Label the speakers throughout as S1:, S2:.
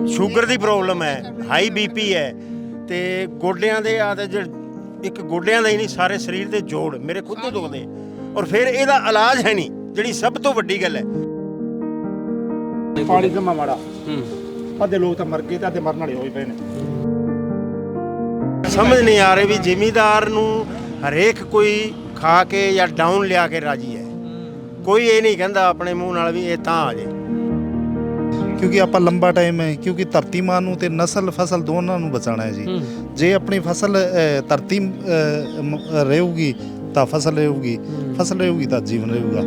S1: Sugar ਦੀ problem ਹੈ, high BP ਹੈ ਤੇ ਗੋਡਿਆਂ ਦੇ ਆ ਤੇ ਇੱਕ ਗੋਡਿਆਂ ਦਾ ਹੀ ਨਹੀਂ ਸਾਰੇ ਸਰੀਰ ਦੇ ਜੋੜ ਮੇਰੇ ਖੁਦ ਤੋਂ ਦੁਖਦੇ ਔਰ ਫਿਰ ਇਹਦਾ ਇਲਾਜ ਹੈ ਨਹੀਂ, ਜਿਹੜੀ ਸਭ ਤੋਂ ਵੱਡੀ ਗੱਲ ਹੈ।
S2: ਪਾਣੀ ਜਮਾ ਮਾੜਾ ਅੱਧੇ ਲੋਕ ਤਾਂ ਮਰ ਗਏ ਤੇ ਅੱਧੇ ਮਰਨ ਵਾਲੇ ਹੋਏ ਪਏ ਨੇ।
S1: ਸਮਝ ਨਹੀਂ ਆ ਰਹੀ ਵੀ ਜ਼ਿਮੀਂਦਾਰ ਨੂੰ ਹਰੇਕ ਕੋਈ ਖਾ ਕੇ ਜਾਂ ਡਾਊਨ ਲਿਆ ਕੇ ਰਾਜੀ ਹੈ, ਕੋਈ ਇਹ ਨਹੀਂ ਕਹਿੰਦਾ ਆਪਣੇ ਮੂੰਹ ਨਾਲ ਵੀ ਇਹ ਤਾਂ ਆ ਜੇ।
S3: ਕਿਉਂਕਿ ਆਪਾਂ ਲੰਬਾ ਟਾਈਮ ਹੈ, ਕਿਉਂਕਿ ਧਰਤੀ ਮਾਂ ਨੂੰ ਤੇ ਨਸਲ ਫਸਲ ਦੋਨਾਂ ਨੂੰ ਬਚਾਉਣਾ ਹੈ ਜੀ। ਜੇ ਆਪਣੀ ਫਸਲ ਧਰਤੀ ਰਹੂਗੀ ਤਾਂ ਫਸਲ ਰਹੂਗੀ, ਫਸਲ ਰਹੂਗੀ ਤਾਂ ਜੀਵਨ ਰਹੂਗਾ।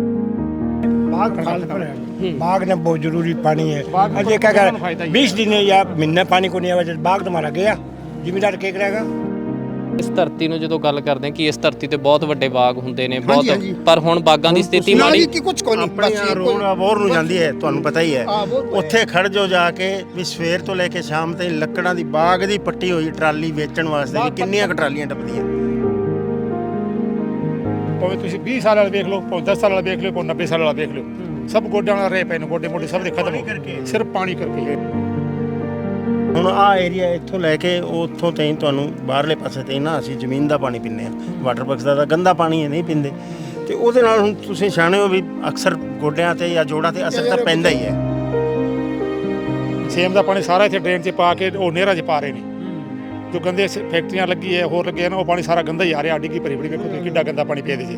S4: बाग ने बहुत जरूरी पानी है। अजय क्या कर 20 दिन या महीना पानी को नहीं आया, बाग तो मारा गया, जिम्मेदार क्या करेगा।
S5: ਇਸ ਧਰਤੀ ਨੂੰ ਜਦੋਂ ਗੱਲ ਕਰਦੇ ਹਾਂ ਕਿ ਇਸ ਧਰਤੀ ਤੇ ਬਹੁਤ ਵੱਡੇ ਬਾਗ ਹੁੰਦੇ ਨੇ ਬਹੁਤ, ਪਰ ਹੁਣ ਬਾਗਾਂ ਦੀ ਸਥਿਤੀ ਮਾੜੀ
S1: ਆਪਣੀ ਰੋਡ ਅਬੋਰ ਨੂੰ ਜਾਂਦੀ ਹੈ, ਤੁਹਾਨੂੰ ਪਤਾ ਹੀ ਹੈ। ਉੱਥੇ ਖੜ ਜੋ ਜਾ ਕੇ ਵੀ ਸਵੇਰ ਤੋਂ ਲੈ ਕੇ ਸ਼ਾਮ ਤਾਈਂ ਲੱਕੜਾਂ ਦੀ ਬਾਗ ਦੀ ਪੱਟੀ ਹੋਈ ਟਰਾਲੀ ਵੇਚਣ ਵਾਸਤੇ ਵੀ ਕਿੰਨੀਆਂ ਕੁ ਟਰਾਲੀਆਂ ਟੱਪਦੀਆਂ।
S2: ਭਾਵੇਂ ਤੁਸੀਂ 20 ਸਾਲ ਵਾਲਾ ਵੇਖ ਲਓ, ਭਾਵੇਂ 10 ਸਾਲ ਵਾਲਾ ਵੇਖ ਲਓ, ਭਾਵੇਂ 90 ਸਾਲ ਵਾਲਾ ਵੇਖ ਲਓ, ਸਭ ਗੋਡਿਆਂ ਨਾਲ ਰਹੇ ਪਏ ਨੇ, ਗੋਡੇ ਮੋਢੇ ਸਭ ਦੇ ਖਤਮ ਹੋ ਗਏ ਸਿਰਫ ਪਾਣੀ ਕਰਕੇ।
S1: ਹੁਣ ਆਹ ਏਰੀਆ ਇੱਥੋਂ ਲੈ ਕੇ ਉੱਥੋਂ ਤਾਈਂ ਤੁਹਾਨੂੰ ਬਾਹਰਲੇ ਪਾਸੇ ਤਾਈਂ ਨਾ ਅਸੀਂ ਜ਼ਮੀਨ ਦਾ ਪਾਣੀ ਪੀਂਦੇ ਹਾਂ, ਵਾਟਰ ਵਰਕਸ ਦਾ ਤਾਂ ਗੰਦਾ ਪਾਣੀ ਹੈ, ਨਹੀਂ ਪੀਂਦੇ। ਤੇ ਉਹਦੇ ਨਾਲ ਹੁਣ ਤੁਸੀਂ ਸਿਆਣੇ ਹੋ ਵੀ ਅਕਸਰ ਗੋਡਿਆਂ ਤੇ ਜਾਂ ਜੋੜਾਂ ਤੇ ਅਸਰ ਤਾਂ ਪੈਂਦਾ ਹੀ ਹੈ।
S2: ਸੇਮ ਦਾ ਪਾਣੀ ਸਾਰਾ ਇੱਥੇ ਡਰੇਨ 'ਚ ਪਾ ਕੇ ਉਹ ਨਹਿਰਾਂ 'ਚ ਪਾ ਰਹੇ ਨੇ। ਜੋ ਗੰਦੇ ਫੈਕਟਰੀਆਂ ਲੱਗੀ ਹੈ, ਹੋਰ ਲੱਗੇ ਨਾ, ਉਹ ਪਾਣੀ ਸਾਰਾ ਗੰਦਾ ਹੀ ਆ ਰਿਹਾ। ਡਿੱਗੀ ਭਰੀ ਭਰੀ ਵੇਖੋ ਤੁਸੀਂ ਕਿੱਡਾ ਗੰਦਾ ਪਾਣੀ ਪਿਆ ਇਹਦੇ 'ਚ।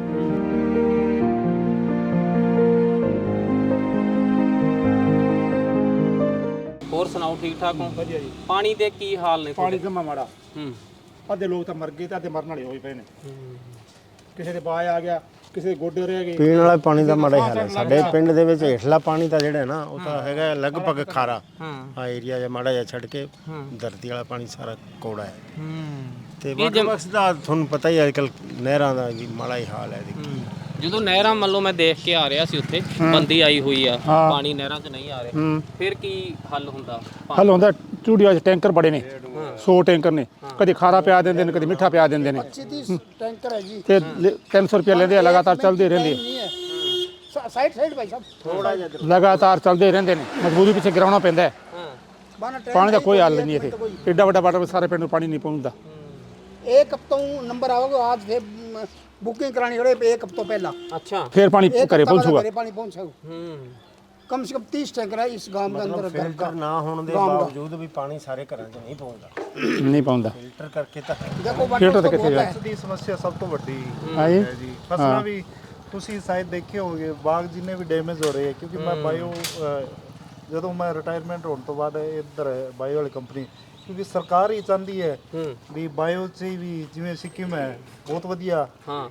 S5: ਹੋਰ ਸੁਣਾਓ, ਠੀਕ ਠਾਕ ਹੋ? ਵਧੀਆ ਜੀ। ਪਾਣੀ ਦੇ ਕੀ ਹਾਲ ਨੇ?
S2: ਪਾਣੀ ਜਮਾ ਮਾੜਾ ਅੱਧੇ ਲੋਕ ਤਾਂ ਮਰ ਗਏ ਤੇ ਅੱਧੇ ਮਰਨ ਵਾਲੇ ਹੋਏ ਪਏ ਨੇ। ਕਿਸੇ ਦੇ ਬਾਹ ਆ ਗਿਆ, ਕਿਸੇ ਦੇ ਗੋਡੇ ਰਹਿ ਗਏ।
S1: ਪੀਣ ਵਾਲਾ ਪਾਣੀ ਦਾ ਮਾੜਾ ਹਾਲ ਹੈ ਸਾਡੇ ਪਿੰਡ ਦੇ ਵਿੱਚ। ਹੇਠਲਾ ਪਾਣੀ ਤਾਂ ਜਿਹੜਾ ਨਾ ਉਹ ਤਾਂ ਹੈਗਾ ਲਗਭਗ ਖਾਰਾ। ਆ ਏਰੀਆ ਜਿਹਾ ਮਾੜਾ ਜਿਹਾ ਛੱਡ ਕੇ ਧਰਤੀ ਵਾਲਾ ਪਾਣੀ ਸਾਰਾ ਕੌੜਾ ਹੈ। ਤੇ ਵਾਟਰ ਵਰਕਸ ਦਾ ਤੁਹਾਨੂੰ ਪਤਾ ਹੀ ਅੱਜ ਕੱਲ੍ਹ ਨਹਿਰਾਂ ਦਾ ਵੀ ਮਾੜਾ ਹੀ ਹਾਲ ਹੈ।
S5: ਜਦੋਂ ਨਹਿਰਾਂ ਮੰਨ ਲਓ ਮੈਂ ਦੇਖ ਕੇ ਆ ਰਿਹਾ ਸੀ, ਉੱਥੇ ਬੰਦੀ ਆਈ ਹੋਈ ਆ, ਪਾਣੀ ਨਹਿਰਾਂ 'ਚ ਨਹੀਂ ਆ ਰਿਹਾ, ਫਿਰ ਕੀ ਹੱਲ ਹੁੰਦਾ?
S2: ਹੱਲ ਹੁੰਦਾ ਚੂੜੀਆਂ 'ਚ ਟੈਂਕਰ ਬੜੇ ਨੇ, 100 ਟੈਂਕਰ ਨੇ, ਕਦੇ ਖਾਰਾ ਪਿਆ ਦਿੰਦੇ ਨੇ, ਕਦੇ ਮਿੱਠਾ ਪਿਆ ਦਿੰਦੇ ਨੇ।
S4: 25-30 ਟੈਂਕਰ ਹੈ ਜੀ
S2: ਤੇ 300 ਰੁਪਏ ਲੈਂਦੇ ਆ, ਲਗਾਤਾਰ ਚੱਲਦੇ ਰਹਿੰਦੇ
S4: ਸਾਈਡ ਭਾਈ ਸਾਹਿਬ ਥੋੜਾ ਜਿਹਾ
S2: ਲਗਾਤਾਰ ਚੱਲਦੇ ਰਹਿੰਦੇ ਨੇ। ਮਜਬੂਰੀ ਪਿੱਛੇ ਗਿਰਾਉਣਾ ਪੈਂਦਾ ਹੈ। ਪਾਣੀ ਦਾ ਕੋਈ ਹੱਲ ਨਹੀਂ ਇੱਥੇ। ਏਡਾ ਵੱਡਾ ਵਾਟਰ ਸਾਰੇ ਪਿੰਡ ਨੂੰ ਪਾਣੀ ਨਹੀਂ ਪਹੁੰਚਦਾ।
S4: एक हफ्तों नंबर आओगे आज से बुकिंग करानी पड़े एक हफ्तों पहला।
S5: अच्छा,
S2: फिर पानी घरे पहुंचूगा।
S4: पानी पहुंचेगा कम से कम 30 टैंकर है इस गांव के अंदर।
S1: ਫਿਲਟਰ ਨਾ ਹੋਣ ਦੇ ਬਾਵਜੂਦ ਵੀ ਪਾਣੀ ਸਾਰੇ ਘਰਾਂ 'ਚ ਨਹੀਂ ਪਹੁੰਚਦਾ।
S2: ਨਹੀਂ ਪਹੁੰਚਦਾ
S1: ਫਿਲਟਰ ਕਰਕੇ ਤਾਂ
S4: देखो
S2: ਫਿਲਟਰ ਤਾਂ ਕਿੱਥੇ ਜਾ
S3: ਦੀ ਸਮੱਸਿਆ ਸਭ ਤੋਂ ਵੱਡੀ
S2: ਹੈ
S3: ਜੀ। ਫਸਲਾਂ ਵੀ ਤੁਸੀਂ ਸ਼ਾਇਦ ਦੇਖੇ ਹੋਗੇ, ਬਾਗ ਜਿੰਨੇ ਵੀ ਡੈਮੇਜ ਹੋ ਰਹੇ ਹੈ, ਕਿਉਂਕਿ ਮੈਂ ਬਾਇਓ ਜਦੋਂ ਮੈਂ ਰਿਟਾਇਰਮੈਂਟ ਹੋਣ ਤੋਂ ਬਾਅਦ ਇੱਧਰ ਬਾਇਓ ਵਾਲੀ ਕੰਪਨੀ, ਕਿਉਂਕਿ ਸਰਕਾਰ ਹੀ ਚਾਹੁੰਦੀ ਹੈ ਵੀ ਬਾਇਓ 'ਚ ਵੀ, ਜਿਵੇਂ ਸਿੱਕਿਮ ਹੈ ਬਹੁਤ ਵਧੀਆ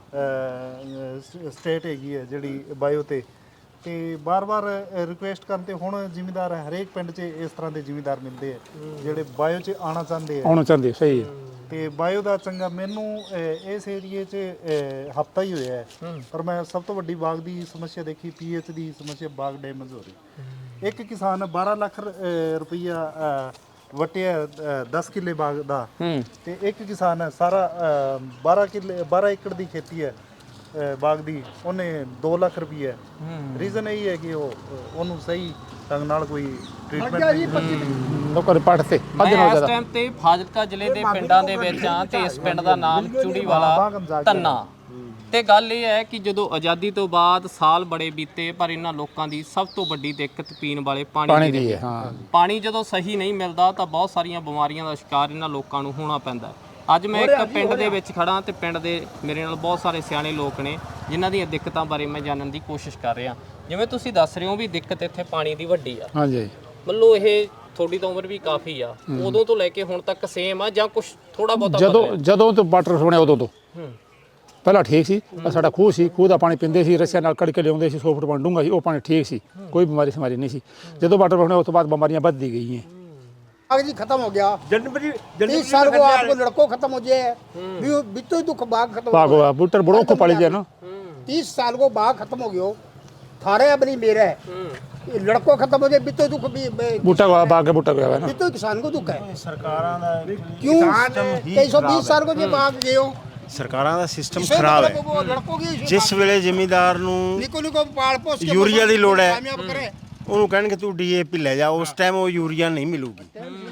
S3: ਸਟੇਟ ਹੈਗੀ ਹੈ ਜਿਹੜੀ ਬਾਇਓ ਤੇ ਬਾਰ-ਬਾਰ ਰਿਕੁਐਸਟ ਕਰਨ ਤੇ ਹੁਣ ਜ਼ਿਮੀਂਦਾਰ ਹਰੇਕ ਪਿੰਡ 'ਚ ਇਸ ਤਰ੍ਹਾਂ ਦੇ ਜ਼ਿਮੀਂਦਾਰ ਮਿਲਦੇ ਆ ਜਿਹੜੇ ਬਾਇਓ 'ਚ ਆਉਣਾ ਚਾਹੁੰਦੇ ਆ।
S2: ਸਹੀ ਹੈ।
S3: ਤੇ ਬਾਇਓ ਦਾ ਚੰਗਾ ਮੈਨੂੰ ਇਸ ਏਰੀਏ 'ਚ ਹਫਤਾ ਹੀ ਹੋਇਆ ਹੈ, ਪਰ ਮੈਂ ਸਭ ਤੋਂ ਵੱਡੀ ਬਾਗ ਦੀ ਸਮੱਸਿਆ ਦੇਖੀ, ਪੀਐਚ ਦੀ ਸਮੱਸਿਆ, ਬਾਗ ਡੈਮੇਜ ਹੋ ਰਹੀ। ਇੱਕ ਕਿਸਾਨ 12 ਲੱਖ ਰੁਪਈਆ ਵਟਿਆ 10 ਕਿੱਲੇ ਬਾਗ ਦਾ, ਤੇ ਇੱਕ ਕਿਸਾਨ ਸਾਰਾ 12 ਏਕੜ ਦੀ ਖੇਤੀ ਹੈ ਬਾਗ ਦੀ, ਉਹਨੇ 2 ਲੱਖ ਰੁਪਈਆ। ਰੀਜ਼ਨ ਇਹ ਹੈ ਕਿ ਉਹਨੂੰ ਸਹੀ ਢੰਗ ਨਾਲ ਕੋਈ ਟ੍ਰੀਟਮੈਂਟ
S2: ਲੋਕਾਂ ਦੇ ਪੱਟ ਤੇ
S5: ਮੈਂ ਇਸ ਟਾਈਮ ਤੇ ਫਾਜ਼ਿਲਕਾ ਜ਼ਿਲ੍ਹੇ ਦੇ ਪਿੰਡਾਂ ਦੇ ਵਿੱਚ ਆ ਤੇ ਇਸ ਪਿੰਡ ਦਾ ਨਾਮ ਚੂੜੀਵਾਲਾ ਧੰਨਾ। ਤੇ ਗੱਲ ਇਹ ਹੈ ਕਿ ਜਦੋਂ ਆਜ਼ਾਦੀ ਤੋਂ ਬਾਅਦ ਸਾਲ ਬੜੇ ਬੀਤੇ, ਪਰ ਇਹਨਾਂ ਲੋਕਾਂ ਦੀ ਸਭ ਤੋਂ ਵੱਡੀ ਦਿੱਕਤ ਪੀਣ ਵਾਲੇ ਪਾਣੀ ਦੀ ਹੈ। ਪਾਣੀ ਜਦੋਂ ਸਹੀ ਨਹੀਂ ਮਿਲਦਾ ਤਾਂ ਬਹੁਤ ਸਾਰੀਆਂ ਬਿਮਾਰੀਆਂ ਦਾ ਸ਼ਿਕਾਰ ਇਹਨਾਂ ਲੋਕਾਂ ਨੂੰ ਹੋਣਾ ਪੈਂਦਾ। ਅੱਜ ਮੈਂ ਇੱਕ ਪਿੰਡ ਦੇ ਵਿੱਚ ਖੜਾ ਤੇ ਪਿੰਡ ਦੇ ਮੇਰੇ ਨਾਲ ਬਹੁਤ ਸਾਰੇ ਸਿਆਣੇ ਲੋਕ ਨੇ ਜਿਨ੍ਹਾਂ ਦੀਆਂ ਦਿੱਕਤਾਂ ਬਾਰੇ ਮੈਂ ਜਾਣਨ ਦੀ ਕੋਸ਼ਿਸ਼ ਕਰ ਰਿਹਾ। ਜਿਵੇਂ ਤੁਸੀਂ ਦੱਸ ਰਹੇ ਹੋ ਵੀ ਦਿੱਕਤ ਇੱਥੇ ਪਾਣੀ ਦੀ ਵੱਡੀ ਆ।
S2: ਹਾਂਜੀ,
S5: ਮਤਲਬ ਇਹ ਤੁਹਾਡੀ ਤਾਂ ਉਮਰ ਵੀ ਕਾਫੀ ਆ, ਉਦੋਂ ਤੋਂ ਲੈ ਕੇ ਹੁਣ ਤੱਕ ਸੇਮ ਆ ਜਾਂ ਕੁਝ ਥੋੜਾ ਬਹੁਤਾ?
S2: ਜਦੋਂ ਤੋਂ ਵਾਟਰ ਸੁਣਿਆ ਉਦੋਂ ਤੋਂ ਪਹਿਲਾਂ ਠੀਕ ਸੀ। ਸਾਡਾ ਖੂਹ ਸੀ, ਖੂਹ ਦਾ ਪਾਣੀ ਪੀਂਦੇ ਸੀ, ਰੱਸਿਆਂ ਨਾਲ ਕੱਢ ਕੇ ਲਿਆਉਂਦੇ ਸੀ, 100 ਫੁੱਟ ਪਾਣੀ ਡੂੰਘਾ ਸੀ, ਉਹ ਪਾਣੀ ਠੀਕ ਸੀ, ਕੋਈ ਬਿਮਾਰੀ ਸਮਾਰੀ ਨਹੀਂ ਸੀ। ਜਦੋਂ ਵਾਟਰ ਬਣਿਆ ਉਸ ਤੋਂ ਬਾਅਦ ਬਿਮਾਰੀਆਂ ਵੱਧਦੀ ਗਈਆਂ।
S4: बाग जी खत्म हो गया। 30 साल को आपको लड़कों खत्म हो जाए, बीतो ही दुख बाग खत्म
S2: बाग हुआ बूटर बड़ों को पड़ी जाए ना।
S4: 30 साल को बाग खत्म हो गया, थारे अब नहीं मेरा है। लड़कों खत्म हो जाए, बीतो दुख भी
S2: बूटा हुआ, बाग का बूटा गया है ना।
S4: बीतो किसान को दुख है।
S1: ਸਰਕਾਰਾਂ ਦਾ
S4: क्यों 120 साल को जो बाग गए हो,
S1: ਸਰਕਾਰਾਂ ਦਾ ਸਿਸਟਮ ਖਰਾਬ ਹੈ।
S4: लड़कों की
S1: ਜਿਸ ਵੇਲੇ ਜ਼ਿਮੀਂਦਾਰ ਨੂੰ
S4: निको निको पाल पोस के
S1: यूरिया दी लोड़ है।
S4: कामयाब करे
S1: ਉਹਨੂੰ ਕਹਿਣਗੇ ਤੂੰ ਡੀਏਪੀ ਲੈ ਜਾ, ਉਸ ਟਾਈਮ ਉਹ ਯੂਰੀਆ ਨਹੀਂ ਮਿਲੂਗੀ।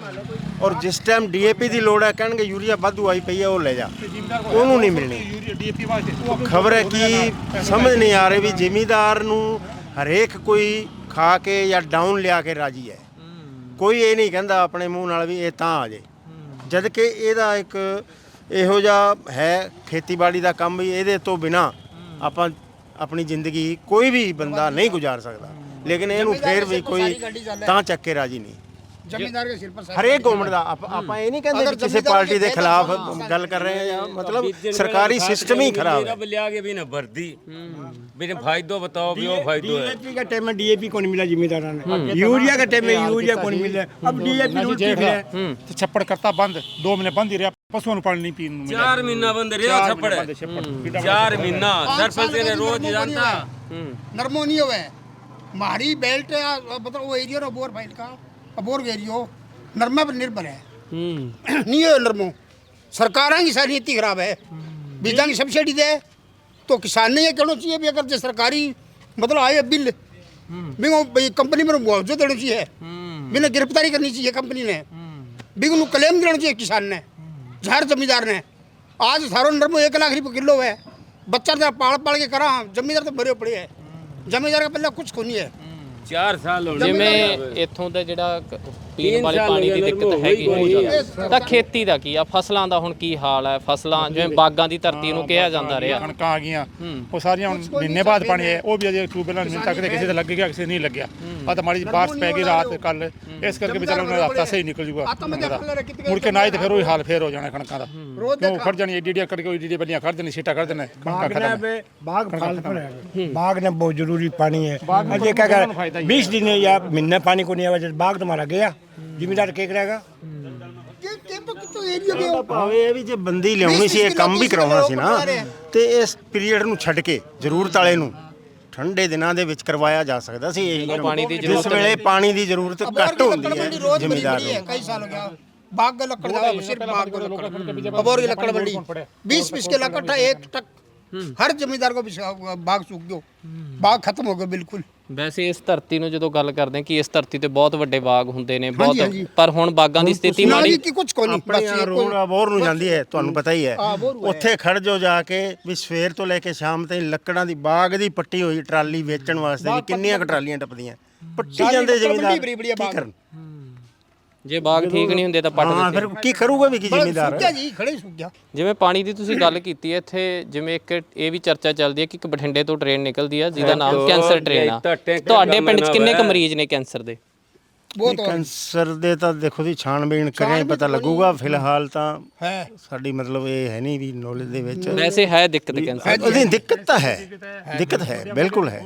S1: ਔਰ ਜਿਸ ਟਾਈਮ ਡੀਏਪੀ ਦੀ ਲੋੜ ਹੈ ਕਹਿਣਗੇ ਯੂਰੀਆ ਵਾਧੂ ਆਈ ਪਈ ਹੈ ਉਹ ਲੈ ਜਾ, ਉਹਨੂੰ ਨਹੀਂ ਮਿਲਣੀ। ਖਬਰ ਹੈ ਕਿ ਸਮਝ ਨਹੀਂ ਆ ਰਹੀ ਵੀ ਜ਼ਿਮੀਂਦਾਰ ਨੂੰ ਹਰੇਕ ਕੋਈ ਖਾ ਕੇ ਜਾਂ ਡਾਊਨ ਲਿਆ ਕੇ ਰਾਜੀ ਹੈ। ਕੋਈ ਇਹ ਨਹੀਂ ਕਹਿੰਦਾ ਆਪਣੇ ਮੂੰਹ ਨਾਲ ਵੀ ਇਹ ਤਾਂ ਆ ਜੇ, ਜਦ ਕਿ ਇਹਦਾ ਇੱਕ ਇਹੋ ਜਿਹਾ ਹੈ ਖੇਤੀਬਾੜੀ ਦਾ ਕੰਮ ਵੀ ਇਹਦੇ ਤੋਂ ਬਿਨਾ ਆਪਾਂ ਆਪਣੀ ਜ਼ਿੰਦਗੀ ਕੋਈ ਵੀ ਬੰਦਾ ਨਹੀਂ ਗੁਜ਼ਾਰ ਸਕਦਾ। ਲੇਕਿਨ ਇਹਨੂੰ ਫੇਰ ਵੀ ਕੋਈ ਤਾਂ ਚੱਕ ਕੇ ਰਾਜੀ ਨਹੀਂ।
S4: जमींदार के सिर पर
S1: ਹਰੇਕ ਗਵਰਨਮੈਂਟ ਦਾ ਆਪਾਂ ਇਹ ਨਹੀਂ ਕਹਿੰਦੇ ਕਿ ਕਿਸੇ ਪਾਰਟੀ ਦੇ ਖਿਲਾਫ ਗੱਲ ਕਰ ਰਹੇ ਹਾਂ ਜਾਂ ਮਤਲਬ ਸਰਕਾਰੀ ਸਿਸਟਮ ਹੀ ਖਰਾਬ है।
S6: ले आगे भी ना भर्ती बिना फायदो बताओ भी वो फायदो है।
S4: डीएपी का टाइम में डीएपी को नहीं मिला जिम्मेदारों ने, यूरिया का टाइम में यूरिया को नहीं मिला, अब डीएपी रोज ठीक है।
S2: ਤੇ ਛੱਪੜ ਕਰਤਾ ਬੰਦ 2 ਮਹੀਨੇ ਬੰਦ ਹੀ ਰਿਹਾ, ਪਸ਼ੂਆਂ ਨੂੰ ਪਾਣੀ ਨਹੀਂ ਪੀਣ ਨੂੰ ਮਿਲਿਆ।
S6: 4 महीना बंद रहा छप्पड़ 4 महीना सरपंच ने रोज जानता
S4: नरमो नहीं हुआ मारी बेल्ट मतलब वो एरिया बोर फाइल का अबोर एरियो नरमा पर निर्भर है नहीं है नरमो। सरकारों की सारी नीति खराब है, बीजा की सब्सिडी दे तो किसान ने ये कहना चाहिए भी अगर जो सरकारी मतलब आए बिल भी कंपनी में मुआवजा देना चाहिए, बिना गिरफ्तारी करनी चाहिए कंपनी ने, भी उन्हें क्लेम देना चाहिए किसान ने हर जमींदार ने। आज सारो नरमो 1 लाख रुपये किलो है, बच्चा तो पाल के करा, जमींदार तो भरे पड़े है, जमींदार का पहले कुछ को नहीं है।
S6: 4 साल हो
S5: ਜਿਵੇਂ ਇੱਥੋਂ ਦਾ ਜਿਹੜਾ ਪੀਣ ਵਾਲੇ ਪਾਣੀ ਦੀ ਦਿੱਕਤ ਹੈਗੀ ਹੈ, ਤਾਂ ਖੇਤੀ ਦਾ ਕੀ ਆ, ਫਸਲਾਂ ਦਾ ਹੁਣ ਕੀ ਹਾਲ ਹੈ? ਫਸਲਾਂ ਜਿਵੇਂ ਬਾਗਾਂ ਦੀ ਧਰਤੀ ਨੂੰ ਕਿਹਾ ਜਾਂਦਾ ਰਿਹਾ,
S2: ਕਣਕਾਂ ਆ ਗਈਆਂ ਉਹ ਸਾਰੀਆਂ ਹੁਣ ਮਹੀਨੇ ਬਾਅਦ ਪਾਣੀ ਆਇਆ, ਉਹ ਵੀ ਅਜੇ ਟਿਊਬਵੈਲਾਂ ਨਹੀਂ ਤੱਕ ਕਿਸੇ ਤੇ ਲੱਗ ਗਿਆ ਕਿਸੇ ਨਹੀਂ ਲੱਗਿਆ। ਆ ਤਾਂ ਮਾੜੀ ਜਿਹੀ ਬਾਰਿਸ਼ ਪੈ ਗਈ ਰਾਤ ਕੱਲ, ਇਸ ਕਰਕੇ ਵਿਚਾਰਾ ਉਹਨਾਂ ਦਾ ਹਫ਼ਤਾ ਸਹੀ ਨਿਕਲ ਜੂਗਾ। ਮੁੜ ਕੇ ਨਾ ਹੀ ਤੇ ਫਿਰ ਉਹੀ ਹਾਲ ਫੇਰ ਹੋ ਜਾਣਾ ਕਣਕਾਂ ਦਾ, ਕਿਉਂ ਖੜ ਜਾਣੀ ਏਡੀਆਂ ਕਰਕੇ ਏਡੀਆਂ ਬੱਲੀਆਂ ਖੜ ਜਾਣੀ ਸੀਟਾਂ ਖੜ ਜਾਣਾ ਕਣਕਾਂ ਖਤਮ।
S4: बाग फल पर है, बाग ने बहुत जरूरी पानी है। अजय क्या कर 20 दिन या महीने पानी को नहीं आया, बाग तुम्हारा गया जिम्मेदार क्या करेगा?
S1: ਭਾਵੇਂ ਇਹ ਵੀ ਜੇ ਬੰਦੀ ਲਿਆਉਣੀ ਸੀ, ਇਹ ਕੰਮ ਵੀ ਕਰਾਉਣਾ ਸੀ ਨਾ, ਤੇ ਇਸ ਪੀਰੀਅਡ ਨੂੰ ਛੱਡ ਕੇ ਜ਼ਰੂਰਤ ਵਾਲੇ ਨੂੰ ਠੰਡੇ ਦਿਨਾਂ ਦੇ ਵਿੱਚ ਕਰਵਾਇਆ ਜਾ ਸਕਦਾ ਸੀ। ਇਹ
S5: ਪਾਣੀ ਦੀ
S1: ਜਿਸ ਵੇਲੇ ਪਾਣੀ ਦੀ ਜ਼ਰੂਰਤ ਘੱਟ ਹੁੰਦੀ ਹੈ ਜ਼ਿਮੀਂਦਾਰ ਨੂੰ।
S4: कई साल हो गया बाग का लकड़ का सिर्फ बाग का लकड़ अबोर की लकड़ बड़ी 20 के लकड़ था 1 टक हर जमींदार को बाग सूख गयो, बाग खत्म हो गया बिल्कुल।
S5: ਵੈਸੇ ਇਸ ਧਰਤੀ ਨੂੰ ਜਦੋਂ ਗੱਲ ਕਰਦੇ ਹਾਂ ਕਿ ਇਸ ਧਰਤੀ ਤੇ ਬਹੁਤ ਵੱਡੇ ਬਾਗ ਹੁੰਦੇ ਨੇ ਬਹੁਤ, ਪਰ ਹੁਣ ਬਾਗਾਂ ਦੀ ਸਥਿਤੀ ਮਾੜੀ।
S4: कुछ को नहीं
S1: ਆਪਣੇ ਰੋਡ ਅਬੋਰ ਨੂੰ ਜਾਂਦੀ ਹੈ, ਤੁਹਾਨੂੰ ਪਤਾ ਹੀ ਹੈ। ਉੱਥੇ ਖੜ ਜਾਓ ਜਾ ਕੇ ਵੀ ਸਵੇਰ ਤੋਂ ਲੈ ਕੇ ਸ਼ਾਮ ਤਾਈਂ ਲੱਕੜਾਂ ਦੀ ਬਾਗ ਦੀ ਪੱਟੀ ਹੋਈ ਟਰਾਲੀ ਵੇਚਣ ਵਾਸਤੇ ਵੀ ਕਿੰਨੀਆਂ ਕੁ ਟਰਾਲੀਆਂ ਟੱਪਦੀਆਂ, ਪੱਟੀ ਜਾਂਦੇ ਜ਼ਿਮੀਂਦਾਰ ਕੀ ਕਰਨ?
S5: ਜੇ ਬਾਗ ਠੀਕ ਨਹੀਂ ਹੁੰਦੇ ਤਾਂ ਪੱਟ
S1: ਹਾਂ ਫਿਰ ਕੀ ਕਰੂਗਾ ਵੀ ਕੀ ਜ਼ਿਮੀਂਦਾਰ?
S4: जी खड़े सूख गया।
S5: ਜਿਵੇਂ ਪਾਣੀ ਦੀ ਤੁਸੀਂ ਗੱਲ ਕੀਤੀ ਹੈ, ਇੱਥੇ ਜਿਵੇਂ ਇੱਕ ਇਹ ਵੀ ਚਰਚਾ ਚੱਲਦੀ ਹੈ ਕਿ ਇੱਕ ਬਠਿੰਡੇ ਤੋਂ ਟ੍ਰੇਨ ਨਿਕਲਦੀ ਆ ਜਿਹਦਾ ਨਾਮ ਕੈਂਸਰ ਟ੍ਰੇਨ ਆ। ਤੁਹਾਡੇ ਪਿੰਡ 'ਚ ਕਿੰਨੇ ਕੁ ਮਰੀਜ਼ ਨੇ ਕੈਂਸਰ ਦੇ?
S1: ਕੈਂਸਰ ਦੇ ਤਾਂ ਦੇਖੋ ਜੀ ਛਾਣਬੀਣ ਕਰਿਆ ਪਤਾ ਲੱਗੂਗਾ। ਫਿਲਹਾਲ ਤਾਂ ਸਾਡੀ ਮਤਲਬ ਇਹ ਹੈ ਨਹੀਂ ਵੀ ਨੌਲੇਜ ਦੇ ਵਿੱਚ।
S5: ਵੈਸੇ ਹੈ ਦਿੱਕਤ ਕੈਂਸਰ
S1: ਉਹਦੀ ਦਿੱਕਤ ਤਾਂ ਹੈ, ਦਿੱਕਤ ਹੈ, ਬਿਲਕੁਲ ਹੈ।